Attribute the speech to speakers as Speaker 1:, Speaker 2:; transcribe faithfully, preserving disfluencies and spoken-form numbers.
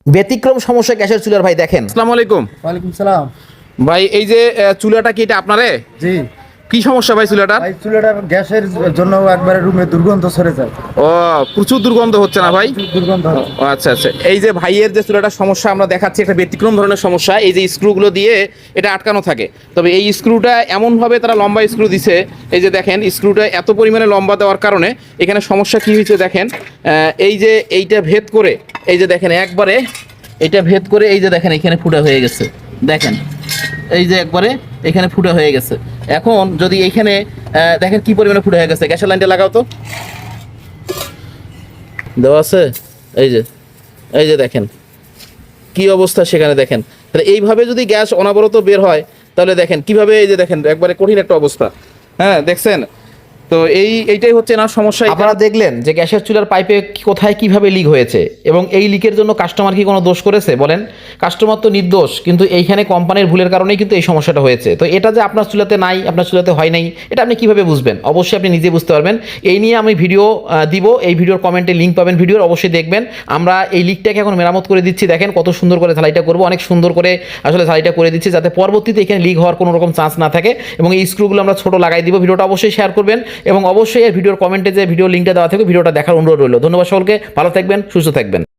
Speaker 1: ব্যতিক্রম সমস্যা গ্যাসের চুলার ভাই দেখেন।
Speaker 2: আসসালামু আলাইকুম।
Speaker 3: ওয়ালাইকুম সালাম।
Speaker 2: ভাই এই যে আহ, চুলাটা কি এটা আপনারে?
Speaker 3: জি
Speaker 2: কি সমস্যা ভাই চুলাটার?
Speaker 3: ভাই, চুলাটার গ্যাসের জন্য একবারে রুমে দুর্গন্ধ ছড়ে যায়।
Speaker 2: ও প্রচুর দুর্গন্ধ হচ্ছে না ভাই?
Speaker 3: প্রচুর দুর্গন্ধ হচ্ছে।
Speaker 2: ও, আচ্ছা আচ্ছা। এই যে ভাইয়ের যে চুলাটার সমস্যা আমরা দেখাচ্ছি, একটা ব্যতিক্রম ধরনের সমস্যা। এই যে স্ক্রুগুলো দিয়ে এটা আটকানো থাকে, তবে এই স্ক্রুটা এমনভাবে তারা লম্বা স্ক্রু দিছে, এই যে দেখেন স্ক্রুটা এত পরিমাণে লম্বা দেওয়ার কারণে এখানে সমস্যা কি হয়েছে দেখেন। আহ, এই যে এইটা ভেদ করে, এই যে দেখেন একবারে এটা ভেদ করে, এই যে দেখেন এখানে ফুটা হয়ে গেছে, দেখেন এই যে একবারে এখানে ফুটা হয়ে গেছে। এখন যদি এইখানে আহ, দেখেন কি পরিমাণে ফুটা হয়ে গেছে। গ্যাসের লাইনটা লাগাও তো, দেওয়া আছে, এই যে এই যে দেখেন কি অবস্থা সেখানে দেখেন। তাহলে এইভাবে যদি গ্যাস অনবরত বের হয় তাহলে দেখেন কিভাবে, এই যে দেখেন একবারে কঠিন একটা অবস্থা। হ্যাঁ দেখছেন তো, এই এইটাই হচ্ছে না সমস্যা।
Speaker 1: আপনারা দেখলেন যে গ্যাসের চুলার পাইপে কি- কোথায় কিভাবে লিক হয়েছে, এবং এই লিকের জন্য কাস্টমার কি কোনো দোষ করেছে বলেন? কাস্টমার তো নির্দোষ, কিন্তু এইখানে কোম্পানির ভুলের কারণেই কিন্তু এই সমস্যাটা হয়েছে। তো এটা যে আপনার চুলাতে নাই, আপনার চুলাতে হয় নাই, এটা আপনি কিভাবে বুঝবেন? অবশ্যই আপনি নিজে বুঝতে পারবেন। এই নিয়ে আমি ভিডিও আহ, দিব, এই ভিডিওর কমেন্টে লিঙ্ক পাবেন, ভিডিওর অবশ্যই দেখবেন। আমরা এই লিকটাকে এখন মেরামত করে দিচ্ছি, দেখেন কত সুন্দর করে ঝালাইটা করবো, অনেক সুন্দর করে আসলে ঝালাইটা করে দিচ্ছি, যাতে পরবর্তীতে এখানে লিক হওয়ার কোনো রকম চান্স না থাকে। এবং এই স্ক্রুগুলো আমরা ছোট লাগাই দিব। ভিডিওটা অবশ্যই শেয়ার করবেন, এবং অবশ্যই এই ভিডিওর কমেন্টে যে ভিডিও লিঙ্কটা দেওয়া থাকে ভিডিওটা দেখার অনুরোধ রইল। ধন্যবাদ সকলকে, ভালো থাকবেন, সুস্থ থাকবেন।